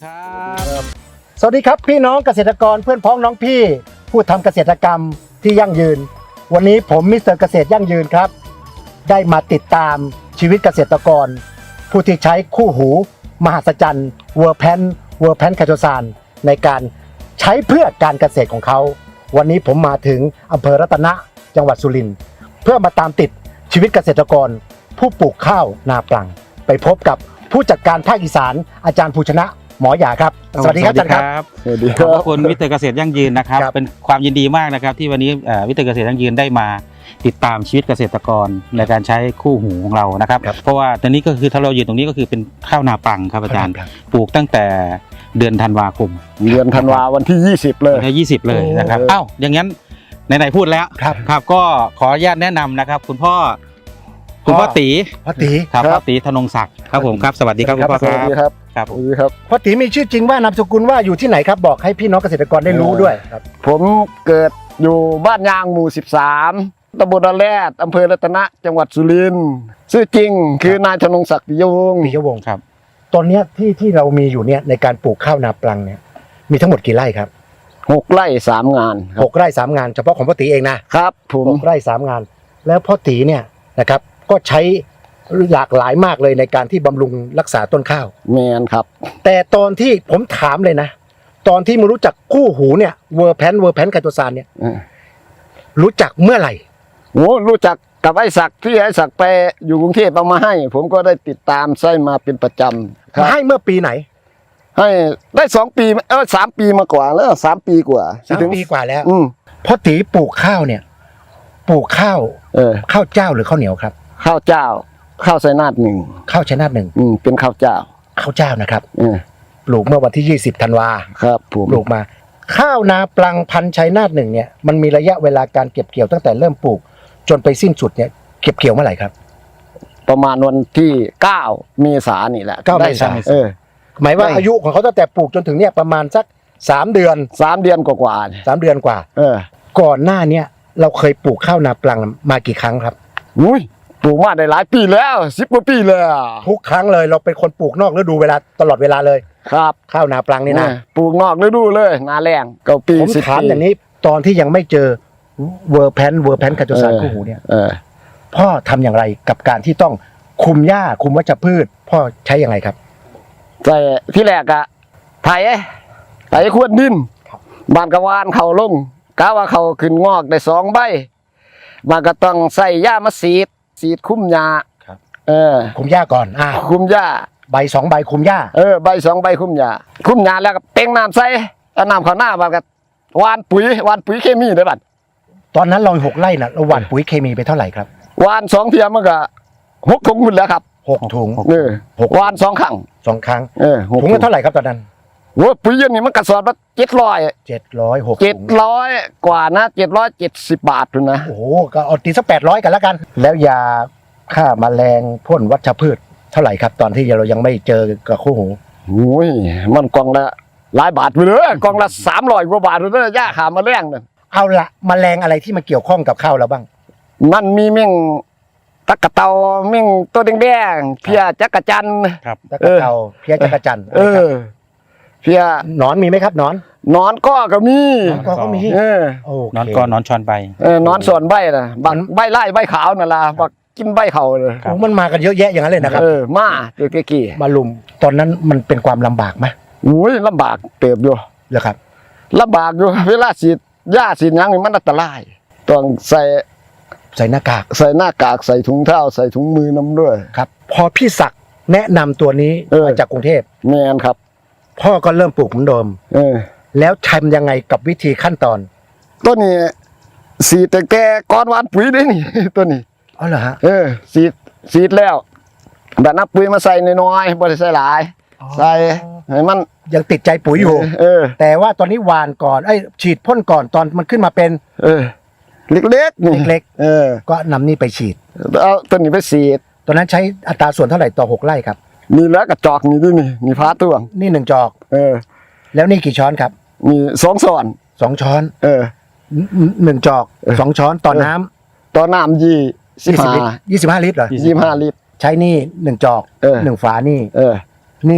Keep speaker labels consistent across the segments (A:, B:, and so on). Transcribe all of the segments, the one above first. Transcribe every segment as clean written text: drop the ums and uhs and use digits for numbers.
A: ครับสวัสดีครับพี่น้องเกษตรกรเพื่อนพ้องน้องพี่ผู้ทำเกษตรกรรมที่ยั่งยืนวันนี้ผมมิสเตอร์เกษตรยั่งยืนครับได้มาติดตามชีวิตเกษตรกรผู้ที่ใช้คู่หูมหัศจรรย์เวอร์แพนไคโตซานในการใช้เพื่อการเกษตรของเขาวันนี้ผมมาถึงอำเภอรัตนะจังหวัดสุรินทร์เพื่อมาตามติดชีวิตเกษตรกรผู้ปลูกข้าวนาปลังไปพบกับผู้จัดการภาคอีสานอาจารย์ภูชนะหมอหยาครับสวัสดีครับอาจารย์ครับ
B: สวัสดีค
C: ข
B: รั
C: อบบ คุณวิทย์เกษตรยั่งยืนนะครับ
A: ครับ
C: เป็นความยินดีมากนะครับที่วันนี้วิทย์เกษตรยั่งยืนได้มาติดตามชีวิตเกษตรกรในการใช้คู่หูของเรานะครับ เพราะว่าตอนนี้ก็คือถ้าเรายืนตรงนี้ก็คือเป็นข้าวนาปลังครับอาจารย์ปลูกตั้งแต่เดือนธันวาคม
B: เดือนธันวาวันที่20เลย
C: วันที่20เลยนะครับ
A: โอ้
C: เอ้าอย่างนั้นไหนๆพูดแล้ว
A: ครับ
C: ครับก็ขออนุญาตแนะนำนะครับคุณพ่อตี
A: พ่อตี
C: ครับ
B: ครับ
C: พ่อตีธนงศักดิ์ครับผมครับสวัสดีครับคุณพ่อ
B: สวัสดีครับ
C: ครับ
B: สวัสดีครับ
A: พ่อตีมีชื่อจริงว่านามสกุลว่าอยู่ที่ไหนครับบอกให้พี่น้องเกษตรกรได้รู้ด้วยครับ
B: ผมเกิดอยู่บ้านยางหมู่13ตำบลระแรดอำเภอรัตนะจังหวัดสุรินทร์ชื่อจริงคือนายธนงศักดิ์ปิยวงศ์
A: ปิยวงศ์
C: ครับ
A: ตอนเนี้ยที่เรามีอยู่เนี่ยในการปลูกข้าวนาปลังเนี่ยมีทั้งหมดกี่ไร่ครับ
B: 6 ไร่ 3 งานค
A: ห
B: รับ
A: กไร่3 งานเฉพาะของพ่อตีเองนะครับ
B: ผม
A: 6 ไร่3 งาน แล้วพ่อตีเนี่ยนะครับก็ใช้หลากหลายมากเลยในการที่บำรุงรักษาต้นข้าว
B: แมนครับ
A: แต่ตอนที่ผมถามเลยนะ ตอนที่มารู้จักคู่หูเนี่ยเวอร์แพนไคโตซานเนี่ย
B: เออ
A: รู้จักเมื่อไหร่
B: โอ้รู้จักกับไอ้ศักดิ์ที่ไอ้ศักดิ์ไปอยู่กรุงเทพเอามาให้ ผมก็ได้ติดตามใช้มาเป็นประจำครับ
A: ให้เมื่อปีไหน
B: ให้ได้2 ปี3 ปีมากว่าแล้ว3 ปีกว่า
A: 3 ปีกว่าแล้ว
B: อืม
A: พ่อตีปลูกข้าวเนี่ยปลูกข้าว ข้าวเจ้าหรือข้าวเหนียวครับ
B: ข้าวเจ้าข้าวไซนาทหนึ่ง
A: ข้าวชนะหนึ่ง
B: เป็นข้าวเจ้า
A: ข้าวเจ้านะครับ
B: เออ
A: ปลูกเมื่อวันที่20ธันวา
B: ครับผม
A: ปลูกมา ข้าวนาปลังพันธุ์ชัยนาทหนึ่งเนี่ยมันมีระยะเวลาการเก็บเกี่ยวตั้งแต่เริ่มปลูกจนไปสิ้นสุดเนี่ยเก็บเกี่ยวเมื่อไหร่ครับ
B: ประมาณวันที่9 เมษายนนี่แหละ
A: 9 เมษายน
B: เออ
A: หมายว่า
B: ได้
A: อายุของเขาตั้งแต่ปลูกจนถึงเนี่ยประมาณสัก3 เดือน
B: 3 เดือนกว่าๆเนี่ย
A: 3 เดือนกว่า
B: เออ
A: ก่อนหน้าเนี่ยเราเคยปลูกข้าวนาปลังมากี่ครั้งครับ
B: อุ้ยปลูกมาได้หลายปีแล้ว10 กว่าปีเลย
A: ทุกครั้งเลยเราเป็นคนปลูกนอกฤดูเวลาตลอดเวลาเลย
B: ครับ
A: ข้าวนาปลังนี่นะ
B: ปลูกนอกฤดูเลยนาแรงเก้าปี
A: ผม
B: 10
A: ถาม
B: ปี
A: อย่างนี้ตอนที่ยังไม่เจอเวอร์แพนไคโตซานคู่หูเนี่ย
B: เออ
A: พ่อทำอย่างไรกับการที่ต้องคุมหญ้าคุมวัชพืช พ่อใช้อย่างไรครับ
B: แต่ที่แรกอะไถขวดดิน
A: ครับ
B: บานกระวานเขาลงกะว่าเขาขึ้นงอกได้2 ใบมันก็ต้องใส่หญ้ามาสีดคุ้มหญ้า
A: ครับ
B: เออ
A: คุมหญ้าก่อน
B: คุ้มหญ้า
A: ใบ2 ใบคุมหญ้า
B: ใบ2 ใบคุ้มหญ้าแล้วก็เต็งน้ำใส่เอาน้ำเข้าหน้ามันก็หวานปุ๋ยเคมีได้บัด
A: ตอนนั้นเรา6 ไร่นะเราหว่านปุ๋ยเคมีไปเท่าไหร่ครับ
B: หวาน2 เทียมมันก็6 ถุงพุ่นแล้วครับ
A: 6 ถุง
B: หวาน2 ครั้ง
A: 2 ครั้ง
B: หก
A: ถุงละเท่าไหร่ครับตอนนั้น
B: โอ้ปุ๋ยเย็นนี่มันกระสอบละ
A: 706 ถุง
B: 700กว่านะ770 บาทพุ่นนะ
A: โอ้โหก็เอาตีสัก800กันแล้วกัน แล้วยาฆ่าแมลงพ่นวัชพืชเท่าไหร่ครับ ตอนที่เรายังไม่เจอกับคู่หู
B: โอ้ยมันกล่องละหลายบาทไปเลยกล่องละ300 กว่าบาทเลยย่าขามาแรงนั่น
A: เอาละแมลงอะไรที่มาเกี่ยวข้องกับข้าวเราบ้าง
B: มันมีเม่งตะกะเตาเม่งตัวแดงๆเพียจักระจันทร์
C: ครับ
A: ตะกะเตาเพี้ยจักรจันทร์
B: เพีย
A: หนอนมีไหมครับหนอน
B: นอนก็มี
A: ก็มี
B: เออ
A: โอเคน
C: อนก้อนนอนชอนใบ
B: นอนส่วนใบน่ะบักใบไล่ใบขาวนั่นล่ะบักกินใบเขาเลย
C: ครับ
A: โอ้มันมากันเยอะแยะอย่างนั้นเลยนะครับ
B: มาเด็กกี่
A: มาลุมตอนนั้นมันเป็นความลำบากไหม
B: โอ้ยลำบากเติบอยู่
A: เหรอครับ
B: ลำบากอยู่เวลาฉีดยาฉีดหยังนี่มันอันตรายต้องใส่
A: ใส่หน้ากาก
B: หน้ากากใส่ถุงเท้าใส่ถุงมือน้ำด้วย
A: ครับ พอพี่ศักดิ์แนะนำตัวนี้ มาจากกรุงเทพ
B: แมนครับ
A: พ่อก็เริ่มปลูกเหมือนเดิม แล้วทำยังไงกับวิธีขั้นตอน
B: ต้นนี้สีดแต่ก้อนหวานปุ๋ยได้นี่ ต้นนี้
A: อ๋อเหรอฮะ
B: สีดแล้วแบบนับปุ๋ยมาใส่น้อยๆบ่ได้ใส่หลาย ใส่ให้มัน
A: ยังติดใจปุ๋ยอยู่ แต่ว่าตอนนี้หวานก่อนฉีดพ่นก่อนตอนมันขึ้นมาเป็น
B: เล็กๆนี่
A: เล็กก็นำนี่ไปฉีด
B: เอาต้นนี้ไปสีด
A: ตอนนั้นใช้อัตราส่วนเท่าไหร่ต่อ6 ไร่ครับ
B: มีแล้วกระจอกนี่ด้วยนี่พาตวง
A: นี่1 จอก แล้วนี่กี่ช้อนครับ
B: มี2 ส่วน
A: 2 ช้อน 1 จอก 2 ช้อนต่อน้ำ
B: ต่อน้ำ
A: 25 ลิตรเหรอ
B: 25 ลิตร
A: ใช้นี่1 จอก 1 ฝานี่
B: นี่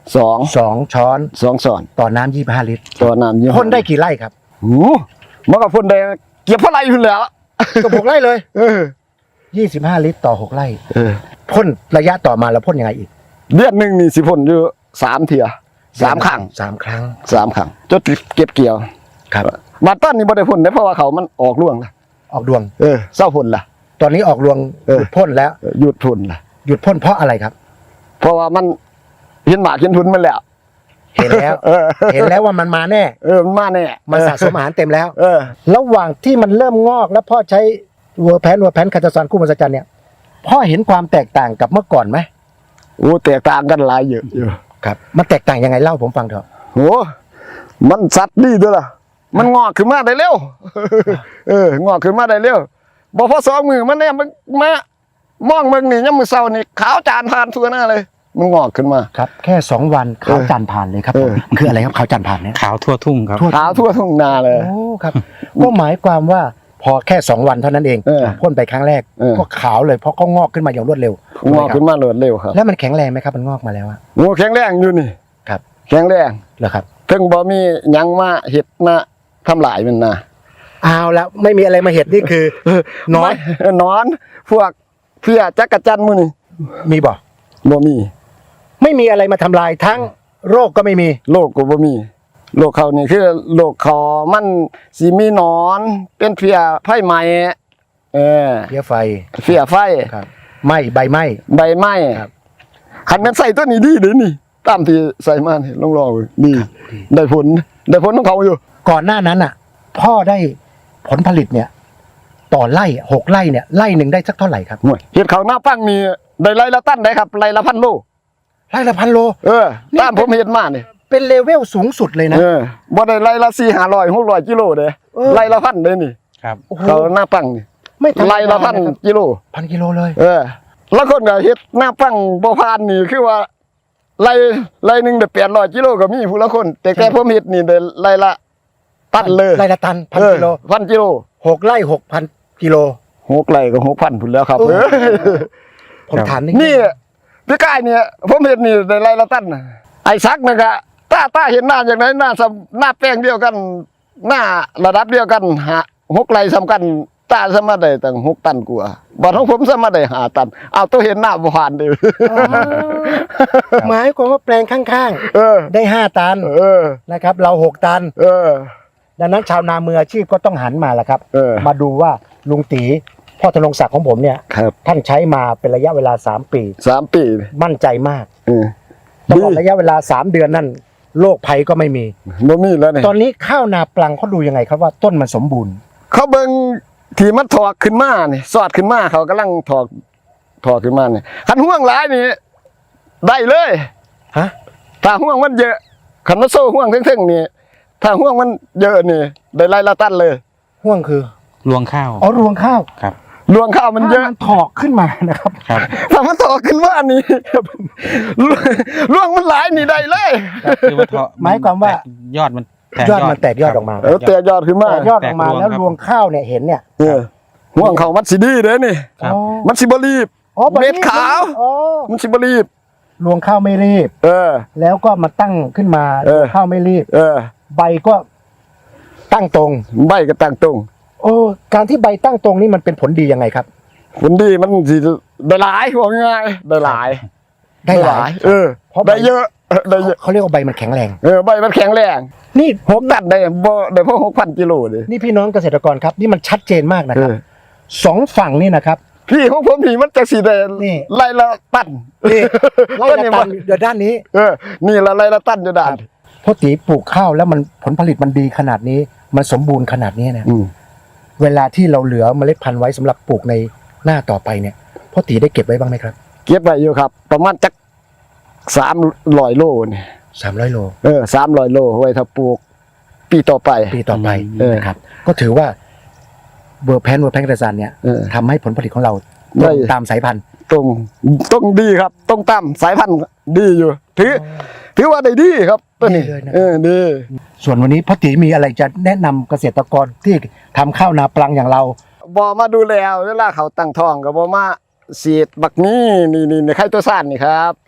A: 2 ช้อน
B: 2 ช้อน
A: ต่อน้ำ25 ลิตร
B: ตัวน้ำยี่ห้อ
A: พ่นได้กี่ไร่ครับ
B: โอ้มันก็พ่นได้เก็บเท่าไหร่อยู่แล้ว
A: ก็6 ไร่เลย
B: เออ
A: 25 ลิตรต่อ 6 ไร่
B: เออ
A: พ่นระยะต่อมาแล้วพ่นยังไงอีก
B: เดือนหนึงนี่สิพ่นอยู่3 เที่ย3 ครั้ง
A: 3 ครั้ง
B: 3 ครั้งจนเก็บเกี่ยว
A: ครับ
B: มาต้นนี่บ่ได้พ่นได้เพราะว่าเขามันออกร่วงละ
A: ออกดวง
B: เศร้าพ่นละ
A: ตอนนี้ออกรวง
B: เออ
A: หยุดพ่นแล้ว
B: หยุดพ่นละ
A: หยุดพ่นเพราะอะไรครับ
B: เพราะว่ามันเห็นหมากเห็นทุนมันแล้ว
A: เห็นแล้ว
B: เออ
A: เห็นแล้วว่ามันมาแน่
B: มันมาแน่
A: มันสะสมอาหารเต็มแล้ว
B: เออ
A: ระหว่างที่มันเริ่มงอกแล้วพ่อใช้วัวแพนคาตาซอนคู่มหัศจรรย์เนี่ยพ่อเห็นความแตกต่างกับเมื่อก่อนไหม
B: โอ้แตกต่างกันหลายเยอะอยู่
A: ครับมันแตกต่างยังไงเล่าผมฟังเถอะ
B: โอ้มันสัตว์ดีด้วยล่ะมันงอกขึ้นมาได้เร็ว งอกขึ้นมาได้เร็วบ่พอ2 มือมันเนี่ยมันมามองมึงนี่ยามมื้อเช้านี่ขาวจานผ่านทั่วหน้าเลย มันงอกขึ้นมา
A: ครับแค่2 วันขาวจันทร์ผ่านเลยครับ
B: เออ
A: มันคืออะไรครับขาวจันทร์ผ่านเนี่ย
C: ขาวทั่วทุ่งครับ
B: ขาวทั่วทุ่งนาเลย
A: โอ้ครับ ก็หมายความว่าพอแค่2 วันเท่านั้นเอง
B: เออ
A: พ่นไปครั้งแรก
B: เออ
A: ก็ขาวเลยเพราะเขางอกขึ้นมาอย่างรวดเร็ว
B: งอกขึ้นมาเร็วครับ
A: แล้วมันแข็งแรงไหมครับมันงอกมาแล้วอะ
B: โอ้แข็งแรงอยู่นี่
A: ครับ
B: แข็งแรง
A: เหรอครับ
B: เพิ่งบ่มีหยังมาเฮ็ดมาทำลายมันนะ
A: เอาแล้วไม่มีอะไรมาเห็ดนี่คือ น้อย
B: นอนพวกเพี้ยจักรจันทร์มื้อนี่
A: มีบ่
B: บ่มี
A: ไม่มีอะไรมาทำลายทั้งโรคก็ไม่มี
B: โรคก็บ่มีโรคเขานี่คือโรคเขามันสิมีหนอน เป็นเพี้ยไฟไหม้เออ
A: เพี้ยไฟ
B: เพี้ยไฟ
A: ครับไหม้ใบไหม้
B: ใบไม้
A: ครับ
B: คันแม่นใส่ตัวนี้ดีเด้นี่ตามที่ใส่มานี่ลองลองดูดีได้ผลของเขาอยู่
A: ก่อนหน้านั้นอ่ะ พ่อได้ผลผลิตเนี่ย ต่อไร่6 ไร่เนี่ยไร่หนึ่งได้สักเท่าไหร่ครับ
B: โอ้ยเฮ็ดเขาวหน้าปังนี่ได้ไร่ละตันได้ครับไร่ละ1,000 โล
A: ไร่ละ1,000 โล
B: ตามผมเฮ็ดมานี่
A: เป็นเลเวลสูงสุดเลยนะ
B: บ่ได้ไร่ละ400 500กิโลเด้
A: เออ
B: ไร่ละ1,000เด้นี่
C: ครับ
A: โอ้โห
B: เขาวหน้าปังนี่
A: ไม่ธรรมดา
B: ไร่ละ1,000 กิโล
A: 1,000 กิโลเลย
B: แล้วคนก็เฮ็ดหน้าปังบ่ผ่านนี่คือว่าไร่หนึงได้800 กิโลก็มีผู้ละคน แต่ผมเฮ็ดนี่ได้ไร่ละตันเลย
A: ไร่ละตัน1,000 กิโล
B: 1,000 กิโล
A: 6 ไร่ 6,000 กิโล
B: 6ไร่ก็ 6,000พุ่นแล้วครับ
A: โอ้ ผมถามนิด
B: นี่พี่กายเนี่ยผมเห็นนี่ในไรละตันน่ะไอ้ซักนะกะต้าเห็นหน้าอย่างไรหน้าแป้งเดียวกัน หน้าระดับเดียวกัน6 ไร่สำคัญต้าสามารถได้ตั้ง6 ตันกว่าบ่ของผมสามารถได้5 ตันเอาตัวเห็นหน้าบ่ผ่านเด้อ
A: หมายความว่าแปลงข้าง
B: เออ
A: ๆ ได้ 5 ตัน
B: เออ
A: นะครับ เรา 6 ตัน
B: เออ
A: ดังนั้นชาวนามืออาชีพก็ต้องหันมาละครับ
B: เออ
A: มาดูว่าลุงตีพ่อธนงศักดิ์ของผมเนี่ย
B: ครับ
A: ท่านใช้มาเป็นระยะเวลา3 ปี
B: 3 ปี
A: มั่นใจมาก
B: เออ
A: ตลอดระยะเวลา3 เดือนนั่นโรคภัยก็ไม่มี
B: บ่มีแล้วนี่
A: ตอนนี้ข้าวนาปลังเขาดูยังไงครับว่าต้นมันสมบูรณ์
B: เขาเบิ่งที่มันถอกขึ้นมานี่สอดขึ้นมาเขากำลังถอกขึ้นมานี่คันห่วงหลายนี่ได้เลย
A: ฮะ
B: ถ้าห่วงมันเยอะคันมันโซ่ห่วงเท่งๆนี่ถ้าห่วงมันเยอะนี่ได้ไล่ละตันเลย
A: ห่วงคือ
C: รวงข้าว
A: อ๋อรวงข้าว
C: ครับ
B: รวงข้าวมันเย
A: ถ้า
B: อะ
A: มันถอกขึ้นมานะครับ
C: ครับ
B: ถ้ามันถอกขึ้นมานี่ รวงมันหลายนี่ได้เลย
C: คือว่าเถาะ
A: หมายความว่า
C: ยอดมันแตก
A: ยอดมันแตกยอดออกมา
B: แตกยอดขึ้นมา
A: แตกยอดออกมาแล้วรวงข้าวเนี่ยเห็นเนี่ย
B: ห่วงเขามันสิดีเด้นี่
C: ครับ
A: อ๋อ
B: มันสิบ่รีบ
A: อ๋อแบบนี้
B: เม็ดขาว
A: อ๋อ
B: มันสิบ่รีบ
A: รวงข้าวไม่รีบ
B: เออ
A: แล้วก็มาตั้งขึ้นมา
B: เออ
A: รวงข้าวไม่รีบ
B: เออ
A: ใบก็ตั้งตรง
B: ใบก็ตั้งตรง
A: โอ้การที่ใบตั้งตรงนี่มันเป็นผลดียังไงครับ
B: ผลดีมันสิได้หลายว่าง่ายๆได้หลาย
A: ได้หลาย เพราะใบ
B: ได้เยอะได้เยอะ
A: เขาเรียกว่าใบมันแข็งแรง
B: ใบมันแข็งแรง
A: นี่
B: 6 ตันได้บ่ได้พอ 6,000 กิโลเลย
A: นี่พี่น้องเกษตรกรครับ นี่มันชัดเจนมากนะครับสองฝั่งนี่นะครับ
B: พี่ของผมนี่มันจะสีแดง
A: นี่
B: ไล่ละตัน
A: นี่ไล่ละตันเดี๋ยวด้านนี้
B: นี่ละไล่ละตันอยู่ด้าน
A: พ่อตีปลูกข้าวแล้วมันผลผลิตมันดีขนาดนี้ มันสมบูรณ์ขนาดนี้นะเวลาที่เราเหลือเมล็ดพันธุ์ไว้สำหรับปลูกในหน้าต่อไปเนี่ยพ่อตีได้เก็บไว้บ้างไหมครับ
B: เก็บไว้อยู่ครับ ประมาณจัก300 โลนี่
A: 300 โล
B: 300 โลไว้ถ้าปลูกปีต่อไป
A: ปีต่อไป นะครับก็ถือว่าเวอร์แพนกระสันเนี่ยทำให้ผลผลิตของเราตรงตามสายพันธุ์
B: ตรงดีครับตรงตามสายพันธุ์ดีอยู่ถือว่าได้ดีครับตัวนี้
A: ดีเลยนะ
B: ดี
A: ส่วนวันนี้พ่อตีมีอะไรจะแนะนำเกษตรกรที่ทำข้าวนาปลังอย่างเรา
B: บ่มาดูแลเวลาเขาตั้งท้องก็บ่มาฉีดบักนี้นี่ไข่ตัวซ่านนี่ครับ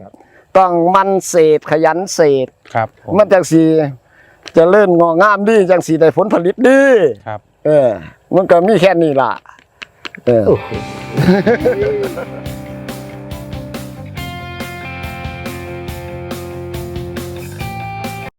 B: ต้องมันเศษขยันเศษ
C: ครับผม
B: มันจังสีจะเลื่อนงองามดีจังสีได้ผลผลิตดี
C: ครับ
B: มันก็มีแค่นี้ล่ะ
A: โอ้โห